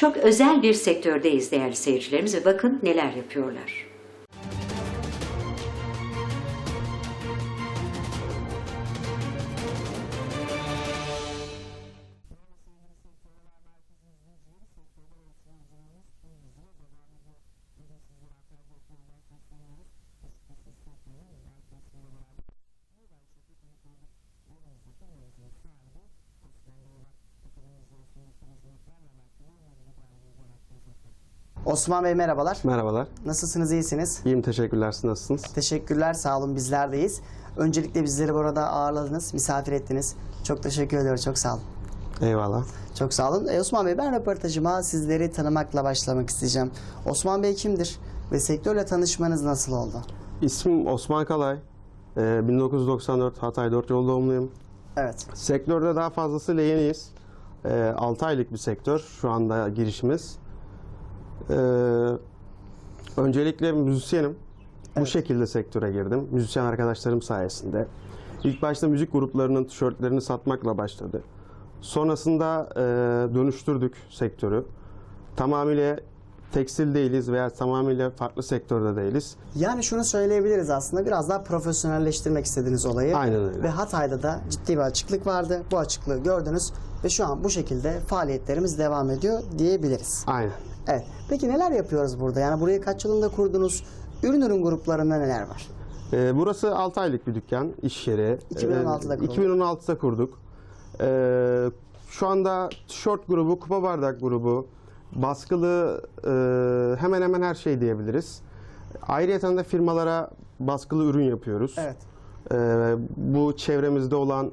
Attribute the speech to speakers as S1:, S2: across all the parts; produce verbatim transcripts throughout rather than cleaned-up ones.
S1: çok özel bir sektördeyiz değerli seyircilerimiz ve bakın neler yapıyorlar.
S2: Osman Bey merhabalar.
S3: Merhabalar.
S2: Nasılsınız, iyisiniz?
S3: İyiyim, teşekkürler. Siz nasılsınız?
S2: Teşekkürler, sağ olun, bizler deyiz. Öncelikle bizleri burada ağırladınız, misafir ettiniz. Çok teşekkür ediyorum, çok sağ olun.
S3: Eyvallah.
S2: Çok sağ olun. E, Osman Bey, ben röportajıma sizleri tanımakla başlamak isteyeceğim. Osman Bey kimdir ve sektörle tanışmanız nasıl oldu?
S3: İsmim Osman Kalay. Ee, bin dokuz yüz doksan dört Hatay dört Yol doğumluyum.
S2: Evet.
S3: Sektörde daha fazlasıyla yeniyiz. Ee, altı aylık bir sektör şu anda girişimiz. Ee, öncelikle müzisyenim. Bu
S2: Evet.
S3: şekilde sektöre girdim. Müzisyen arkadaşlarım sayesinde. İlk başta müzik gruplarının tişörtlerini satmakla başladı. Sonrasında e, dönüştürdük sektörü. Tamamıyla tekstil değiliz veya tamamıyla farklı sektörde değiliz.
S2: Yani şunu söyleyebiliriz aslında, biraz daha profesyonelleştirmek istediğiniz olayı.
S3: Aynen öyle.
S2: Ve Hatay'da da ciddi bir açıklık vardı. Bu açıklığı gördünüz ve şu an bu şekilde faaliyetlerimiz devam ediyor diyebiliriz.
S3: Aynen.
S2: Evet. Peki neler yapıyoruz burada? Yani burayı kaç yılında kurdunuz? Ürün ürün gruplarında neler var?
S3: Ee, burası altı aylık bir dükkan, iş yeri.
S2: iki bin on altıda
S3: Ee,
S2: kuruldu.
S3: iki bin on altıda kurduk. Ee, şu anda tişört grubu, kupa bardak grubu, baskılı e, hemen hemen her şey diyebiliriz. Ayrıca da firmalara baskılı ürün yapıyoruz.
S2: Evet.
S3: Ee, bu çevremizde olan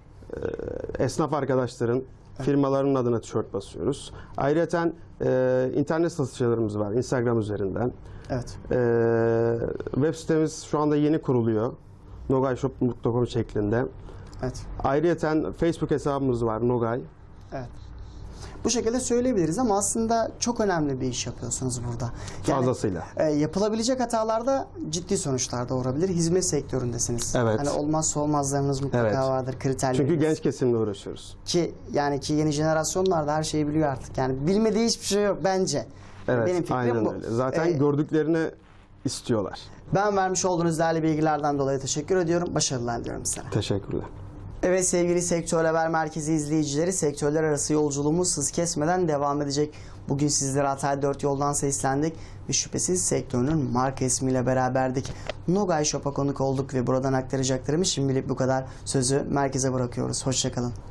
S3: e, esnaf arkadaşların firmalarının adına tişört basıyoruz. Ayrıca e, internet satışlarımız var Instagram üzerinden.
S2: Evet.
S3: Ee, web sitemiz şu anda yeni kuruluyor. nogayshop nokta com şeklinde.
S2: Evet.
S3: Ayrıca Facebook hesabımız var, Nogay.
S2: Evet. Bu şekilde söyleyebiliriz ama aslında çok önemli bir iş yapıyorsunuz burada. Yani,
S3: Fazlasıyla.
S2: E, yapılabilecek hatalarda ciddi sonuçlar doğurabilir. Hizmet sektöründesiniz.
S3: Evet.
S2: Hani olmazsa olmazlarınız mutlaka
S3: Evet.
S2: vardır, kriterleriniz.
S3: Çünkü genç kesimle uğraşıyoruz.
S2: Ki yani ki yeni jenerasyonlar da her şeyi biliyor artık. Yani bilmediği hiçbir şey yok bence.
S3: Evet,
S2: Benim fikrim
S3: aynen
S2: bu.
S3: öyle. Zaten
S2: Ee,
S3: gördüklerini istiyorlar.
S2: Ben vermiş olduğunuz değerli bilgilerden dolayı teşekkür ediyorum. Başarılar diliyorum size.
S3: Teşekkürler.
S2: Evet sevgili Sektör Haber Merkezi izleyicileri, sektörler arası yolculuğumuz hız kesmeden devam edecek. Bugün sizlere Hatay dört Yol'dan seslendik ve şüphesiz sektörün marka ismiyle beraberdik. Nogay Shop'a konuk olduk ve buradan aktaracaklarımız şimdilik bu kadar. Sözü merkeze bırakıyoruz. Hoşçakalın.